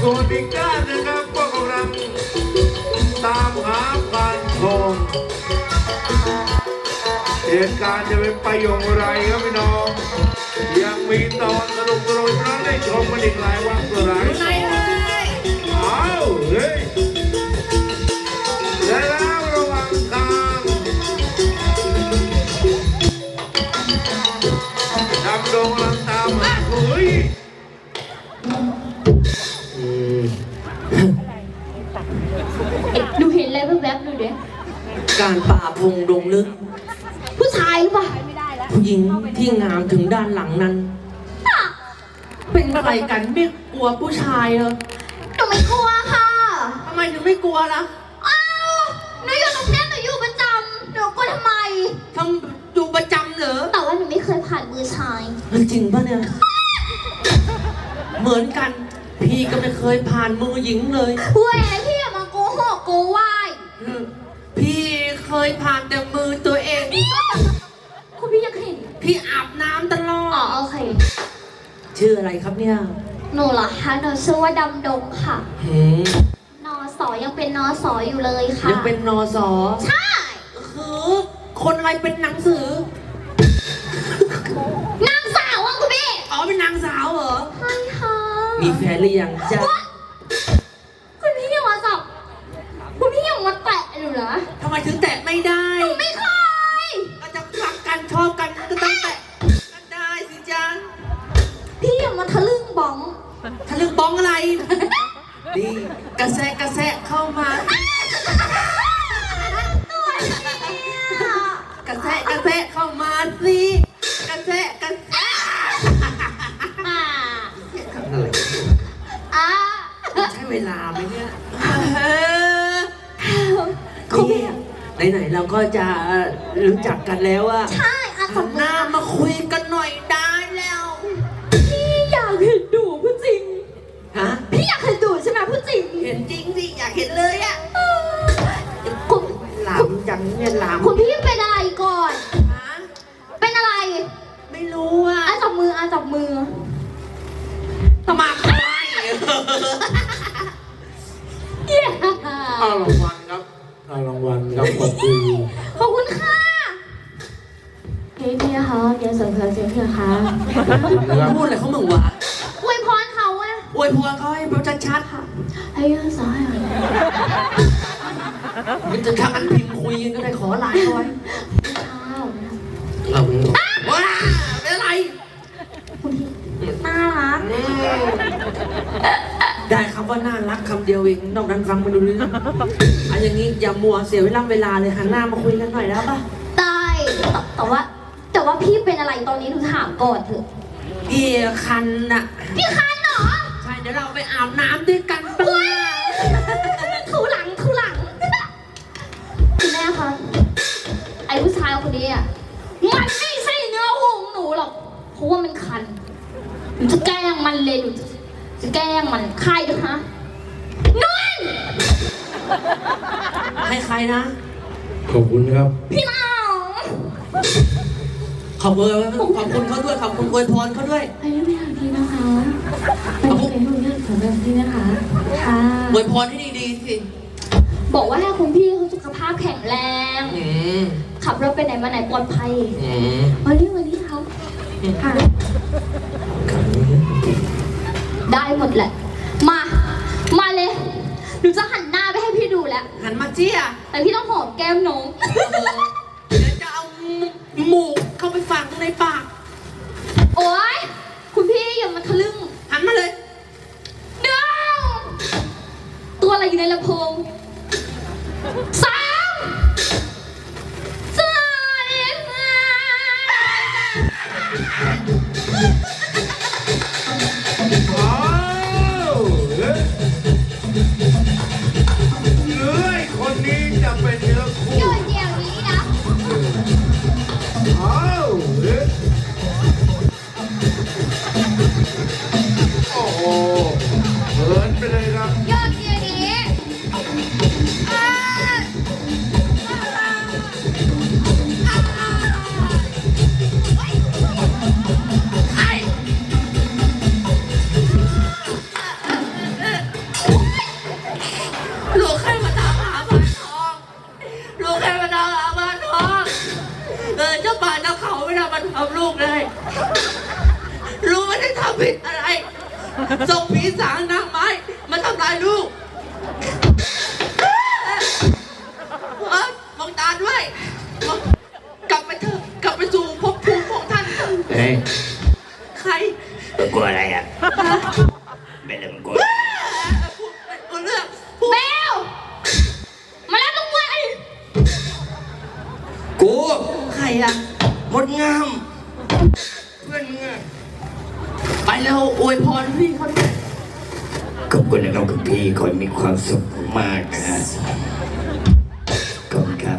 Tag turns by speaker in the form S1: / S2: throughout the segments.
S1: ส่วนอีกด้านนะครับก็กำลังตามหาพานทองเหตุการณ์จะเป็นไปอย่างไรครับพี่น้องยังมีตอนสนุกสนุกนั้นได้ชมกันอีกหลายวันหลายตอนอ้าวเฮ้ยและแล้วระหว่างทางดำดงกำลังตามหาเฮ้ย
S2: ดูเห็นอะไรแวบๆดูเด้
S3: การป่าพงดงลึก
S2: ผู้ชายหรือเปล่า
S3: ผู้หญิงที่งามถึงด้านหลังนั้นเป็นอะไรกันไม่กลัวผู้ชายเหรอ
S2: หนูไม่กลัวค่ะ
S3: ทำไมถึงไม่กลัวล่ะ
S2: อ้าวหนูอยู่ตรงนี้หนูอยู่ประจำหนูกลัวทำไม
S3: อยู่ประจำเหรอ
S2: แต่ว่าหนูไม่เคยผ่านมือชาย
S3: จริงป่ะเนี่ยเหมือนกันพี่ก็ไม่เคยผ่านมือหญิงเลย
S2: เว้ยพี่อย่ามาโกหกโกวาย
S3: พี่เคยผ่านแต่มือตัวเอง
S2: คุณพี่ยังเห็น
S3: พี่อาบน้ำตลอด
S2: อ๋อโอเค
S3: ชื่ออะไรครับเนี่ย
S2: หนูเหรอคะหนูชื่อว่าดำดงค่ะนสยังเป็นนสอยู่เลยค่ะ
S3: ยังเป็นนส
S2: ใช่
S3: คือคนอะไรเป็นหนังสื
S2: อนางสาวอ่ะคุณพี่
S3: อ๋อเป็นนางสาวเหรอ
S2: ใช่ค่ะ
S3: มีแฟนหรือยังจ๊ะ
S2: คุณพี่ยังมาจับคุณพี่ยังมาแตะหนูเหรอ
S3: ทำไมถึงแตะไม่ได้
S2: หนูไม่เคย
S3: ก็จะรักกันชอบกันก็ต้องแตะกันได้สิจ๊ะ
S2: พี่ยังมาทะลึ่งบ้อง
S3: ทะลึ่งบ้องอะไรดีกระแสเข้ามา กระแสเข้ามาสิกระแสอะไรใช้เวลาไหมเนี่ยนี่ไหนเราก็จะรู้จักกันแล้วอะ
S2: ใช่
S3: หันหน้ามาคุยกันหน่อยได้แล้ว
S2: พี่อยากเห็นดูพูดจริง
S3: ฮะ
S2: พี่อยากเห็นดูใช่ไหมพูดจริง
S3: เห็นจริงสิอยากเห็นเลยอะคุณหลามจังเนี่ยหลาม
S2: คุณพี่เป็นอะไรก่อนเป็นอะไร
S3: ไม่รู้อะ
S2: จับมือจับมือ
S3: ทำไม
S1: เอารางวัลครับเอารางวัลครับขอบคุณ
S2: ขอบคุณค่ะเฮ้ยพี่คะเดี๋ยวเสริมเสียงพี่คะ
S3: พูดอะไรเขาเหมือนวะ
S2: อวยพรเขาอะ
S3: อวยพรเขาให้แบบชัดๆ
S2: ค่ะให้ยอดสาย
S3: มันจะทำอันพิมพ์คุยกันก็ได้ขอไลน์เอาไว้ว้าเป็นอะไร
S2: น่ารัก
S3: ได้คำว่าน่ารักคำเดียวเองนอกนั้นฟังไม่รู้เรื่องอันอย่างนี้อย่ามัวเสียเวลาเลยหันหน้ามาคุยกันหน่อยแล้วป่ะ
S2: ได้แต่ว่าพี่เป็นอะไรตอนนี้ถึงถามก่อนเถอะ
S3: พี่คันน่ะ
S2: พี่คันเหรอ
S3: ใช่เดี๋ยวเราไปอาบน้ำด้วยกันป่ะ
S2: ถูหลังคุณแม่คะไอ้ผู้ชายคนนี้อ่ะมันไม่ใช่เนื้อคู่ของหนูหรอกเพราะว่ามันคันหนูจะแกล้งมันเลยหนูจะแกล้งมันใครด้วยฮะนุ่น
S3: ใครนะ
S1: ขอบคุณครับ
S2: พี่น้อง
S3: ขอบคุณเขาด้วยขอบคุณอวยพรเขาด้วย
S2: ไอ้ไม่อยากทีนะคะขอบคุณขอบคุณพี่นะคะค่ะ
S3: อวยพรให้ดีๆสิ
S2: บอกว่าให้คุณพี่เขาสุขภาพแข็งแรงขับรถไปไหนมาไหนปลอดภัยวันนี้เขาค่ะได้หมดแหละมาเลยหนูจะหันหน้าไปให้พี่ดูแล้ว
S3: หันมาเจี๊ย
S2: แต่พี่ต้องหอมแก้มน้อง
S3: เดี๋ยวจะเอาหมูเข้าไปฝังในปาก
S2: โอ๊ยคุณพี่อย่ามาทะลึ่ง
S3: หันมาเลย
S2: เดี๋ยวตัวอะไรอยู่ในลำโพง
S1: คนนี้จะเป็นเนื้อคู่
S2: เดี๋ยวนี้นะ
S1: โอ้โหเหินไปเลยครับ
S2: ยอดเดียวนี้
S3: ลูกเลยลูกไม่ได้ทำผิดอะไรส่งผีสางนางไม้มาทำลายลูกมองตาด้วยกลับไปเถอะกลับไปสู่ภพภูมิของท่าน
S4: เฮ้ย
S3: ใคร
S4: กลัวอะไรอ่ะไม่เรื่องกลัว
S3: พูดเรื่อง
S2: เบลมาแล้วลูกไว้
S4: กู
S3: ใครอะ
S4: หมดงามเพื่อนมึงอะ
S3: ไปแล้วอวยพรพี่เขาด้วย
S4: ขอบคุณนะครับคุณพี่ขอให้มีความสุขมากนะฮะขอบคุณครับ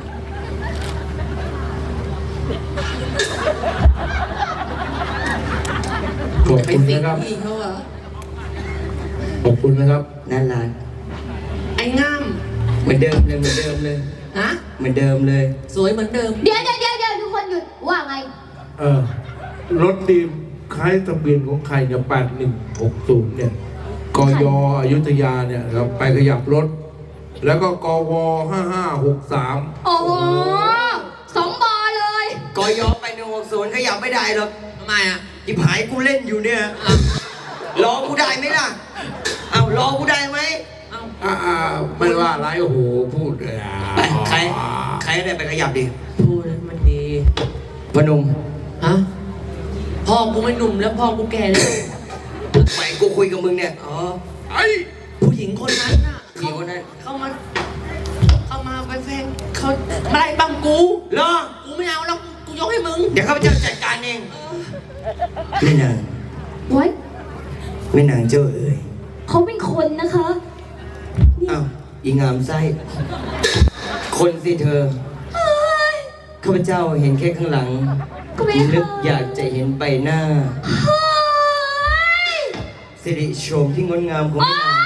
S1: ขอบ
S3: ไป
S1: คุณ
S3: สิง
S1: นะครับ
S3: พี่เขาเหรอ
S1: ขอบคุณนะครับ
S4: น่ารัก
S3: ไอ้ง่าม
S4: เหมือนเดิมเลยเหมือนเดิมเลย
S3: ฮะ
S4: เหมือนเดิมเลย
S3: สวยเหมือนเดิม
S2: เดี๋ยวทุกคนหยุดว่าไง
S1: รถดีมคล้ายทะเบียนของใครเนี่ย8160เนี่ยกยอยุธยาเนี่ยครับไปขยับรถ แล้วก็กว5563
S2: โอ้โหสองบอเลย
S4: กยไป160ขยับไม่ได้หรอก
S3: ทำไมอะ
S4: จิบหายกูเล่นอยู่เนี่ยรอกูได้ไหมล่ะเอารอกูได้ไหม
S1: ไม่ว่าไรโอ้โหพูดเลย
S4: ใครได้ไปขยับดิ
S3: พูดให้มันดี
S4: พนม
S3: ฮะพ่อกูไม่หนุ่มแล้วพ่อกูแก่แล้ว
S4: ไปกูคุยกับมึงเนี่ย
S3: อ๋อ
S1: ไอ้
S3: ผู้หญิงคนนั้นน่ะ
S4: ผู้หญิงคนนั้น
S3: เข้ามาไปแฟนเขามาไล่บังกู
S4: รอ
S3: กูไม่เอาแล้วกูยกให้มึง
S4: เดี๋ยวข้าพเจ้าจัดการเองแม่นาง
S2: ไว้
S4: แม่นางเจ้าเอ๋ย
S2: เขาเป็นคนนะคะ
S4: อ้าวอีงามไส้คนสิเธอข้าพเจ้าเห็นแค่ข้างหลัง
S2: ก็ไม่
S4: นึก
S2: ค่ะ
S4: อยากจะเห็นใบหน้า
S2: เฮ้ย
S4: สิริโฉมที่งดงามของแม่นาง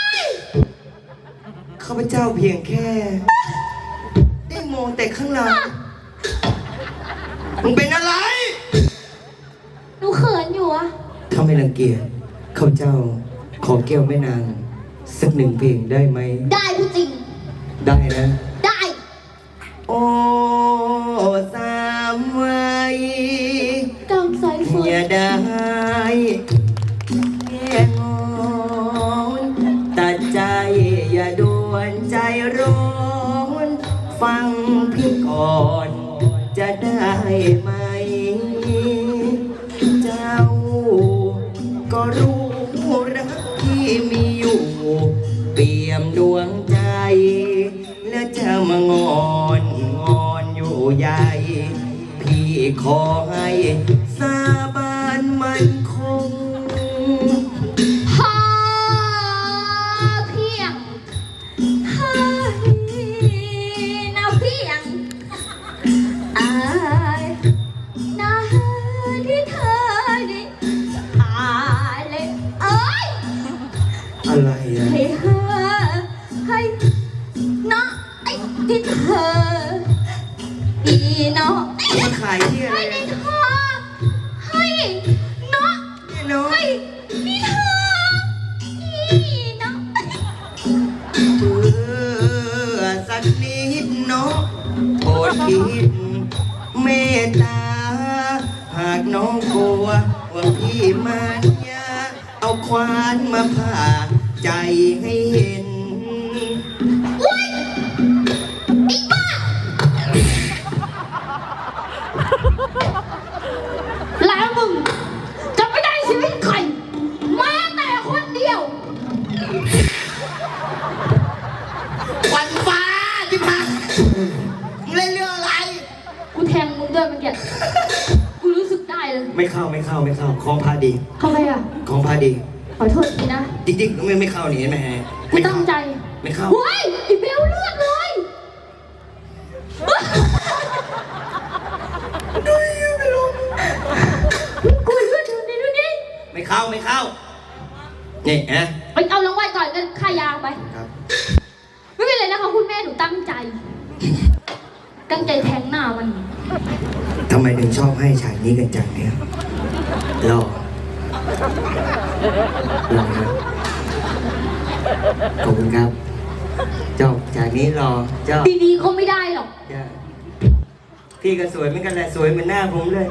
S4: ข้าพเจ้าเพียงแค่ ได้มองแต่ข้างหลังมึงเป็นอะไร
S2: หนูเขินอยู่อะ
S4: ถ้าไม่รังเกียจข้าพเจ้าขอแก้วแม่นางสักหนึ่งเพลงได้ไหม
S2: ได้ผู้จริง
S4: ได้นะ
S2: ได้
S4: โอ้สามวัย
S2: กางสายฝน
S4: อย่าได้แง่งอนตัดใจอย่าด่วนใจร้อนฟังพี่ก่อนจะได้ไหม เจ้าก็รู้รักที่มีอยู่ เปี่ยมดวงใจ และจะมางอนอยู่ใหญ่ พี่ขอให้สาบานมันคง
S2: พาเพียงให้นาเพียงอายนาที่เธอได้อายเลยเอ้ย
S4: อะไรอ่ะ
S2: ให้เธอให้นะไอ้ที่เธอดีเนาะ
S4: มาขายที่อะไร
S2: ให้
S4: นะ
S2: เธอให้เนาะ
S4: เนี่ยเนาะ
S2: ให้ที่เธอดีเนาะ
S4: เพื่อสักนิดเนาะโปรดคิดเมตตา หากน้องกลัวว่าพี่มันยาเอาควานมาผ่าใจให้เห็น
S2: แล้วมึงจะไม่ได้ชีวิตใครแม้แต่คนเดียว
S4: วันฟ้าที่พักมึงเล่นเรื่องอะไร
S2: กูแทงมึงด้วยเมื่อกี้กูรู้สึกได้เลย
S4: ไม่เข้าของพาดี
S2: ทำไมอ่ะ
S4: ของพาดี
S2: ขอโทษทีนะ
S4: จริงๆไม่เข้านี่เห็นไหมฮะ
S2: กูตั้งใจ
S4: ไม่เข้า
S2: เฮ้ยไอ้เบลเลือดเลยกูเลือดดูดิ
S4: ไม่เข้านี่นะ
S2: ไปเอารางวัลก่อนกันค่ายางไป
S4: ครับ
S2: ไม่เป็นไรนะคะคุณแม่หนูตั้งใจ ตั้งใจแทงหน้ามัน
S4: ทำไมถึงชอบให้ฉากนี้กันจังเนี่ยรอครับขอบคุณครับจบฉากนี้รอเจ้า
S2: ดีๆก็ไม่ได้หรอก
S4: จ้าพี่ก็สวยเหมือนกันแหละสวยเหมือนหน้าผมเลย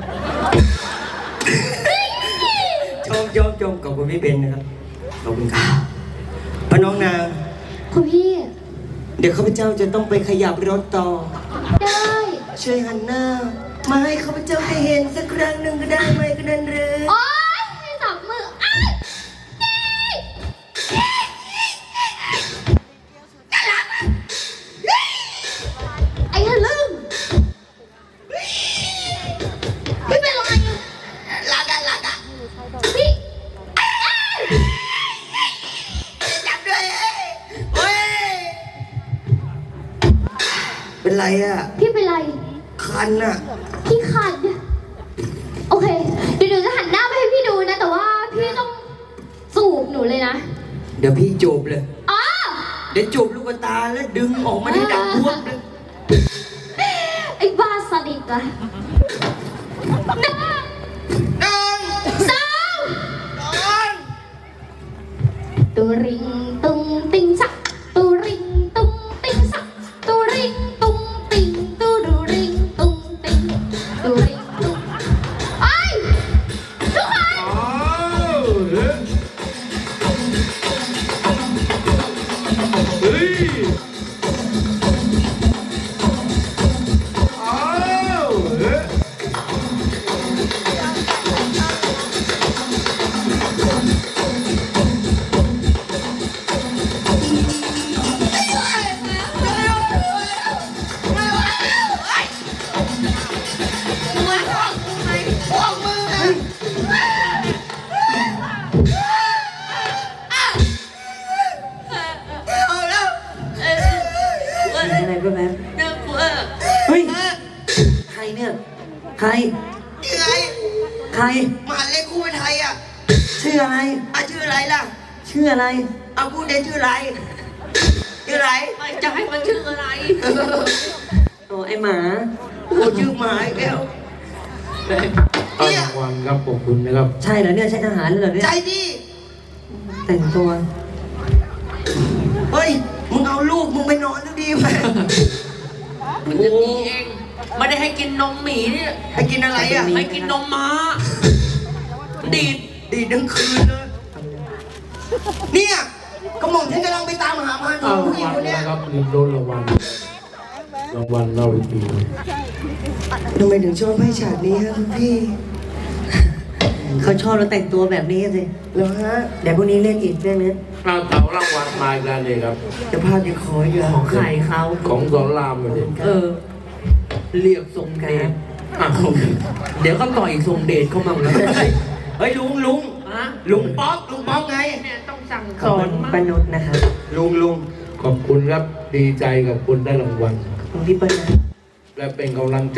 S4: ชมขอบคุณพี่เบนนะครับขอบคุณครับพน้องนาง
S2: คุณพี่
S4: เดี๋ยวข้าพเจ้าจะต้องไปขยับรถต่อ
S2: ได้
S4: ช่วยหันหน้า มาให้ข้าพเจ้าได้เห็นสักครั้งหนึ่งก็ได้ไหมก็นั่นหรือ
S2: โอ๊ยให้จับมืออ้ายไอ้ทะลึ่งพี่เป็นอะไรลากะพี่จับด้วย
S4: เฮ้ยเป็นไรอ่ะ
S2: พี่เป็นไร
S4: คันอ่ะ
S2: พี่ขัดโอเค เดี๋ยวหนูจะหันหน้าไปให้พี่ดูนะ แต่ว่าพี่ต้องสูบหนูเลยนะ
S4: เดี๋ยวพี่จูบเลย
S2: อ๋อ
S4: เดี๋ยวจูบลูกตาแล้วดึงออกมาได้ดังพวกเลย
S2: ไอ้บ้าสดิตอะหนึ่ง
S4: น้อง
S2: สอง
S4: น้อง
S2: ตุริงตุงติงสักตุริงตุงติงสักตุริงตุงติงตุรุริงตุงติงตุริงตุงไอ้ยทุกคน
S1: อ้าวเฮ้ยอ้าวเฮ้ย
S3: มีอะไรบ้างแม่เฮ้ย ใครเนี่ย ใคร
S4: ยังไง
S3: ใคร
S4: มหาเล็กคู่เป็นไทยอ่ะ
S3: ชื่ออะไร
S4: ชื่ออะไรล่ะ
S3: ชื่ออะไร
S4: เอาพูดได้ชื่ออะไรชื่ออะไร
S3: จะให้มันชื่ออะไร โอ้ไอหมา
S4: โอ้ชื่อหมาอีกแล้ว
S1: เอารางวัลครับขอบคุณนะครับ
S3: ใช่เหรอเนี่ย ใช่ทหารเหรอเนี่ย
S4: ใจดี
S3: แต่งตัว
S4: เฮ้ยมึงเอาลูกมึงไปนอนดูดีไหม
S3: มันจะดีเอง ไม่ได้ให้กินนมหมีเนี่ย
S4: ให้กินอะไรอ่ะ
S3: ให้กินนมม้า ดีด
S4: ดีทั้งคืนเลยเนี่ยกระหม่อมฉันกำลังไปตามหาพาน
S1: เอา
S4: ผู้
S1: ราง
S4: หญิง
S1: วัล
S4: คนเนี้ย
S1: นะครับลืมโดนรางวัลรางวัลเราอีกที
S4: ทำไมถึงชอบให้ฉากนี้ฮะคุณพี่
S3: เขาชอบเราแต่งตัวแบบนี้สิ
S4: เหรอฮะ
S3: เดี๋ยวพรุ่งนี้เล่นอีกเรื่องนี้
S1: เราเต๋ารางวัลมาอีกแล้วเลยครับ
S4: จะพาไปขออีกเหรอ
S3: ของใครเขา
S1: ของสอนรามเลย
S3: เรียกทรงเดช
S1: อ้าว
S3: เดี๋ยวก็ต่อยอีกทรงเดชเข้ามาแล้ว
S4: เฮ้ยลุง
S3: ลุงป๊อก
S4: ลุงป๊อกไง
S3: เนี่ยต้องสั่งสอนปนุษนะครับ
S4: ลุง
S1: ขอบคุณครับดีใจกับคุณได้รางวัล
S3: ของพี่เปิ้ลนะ
S1: และเป็นกำลังใจ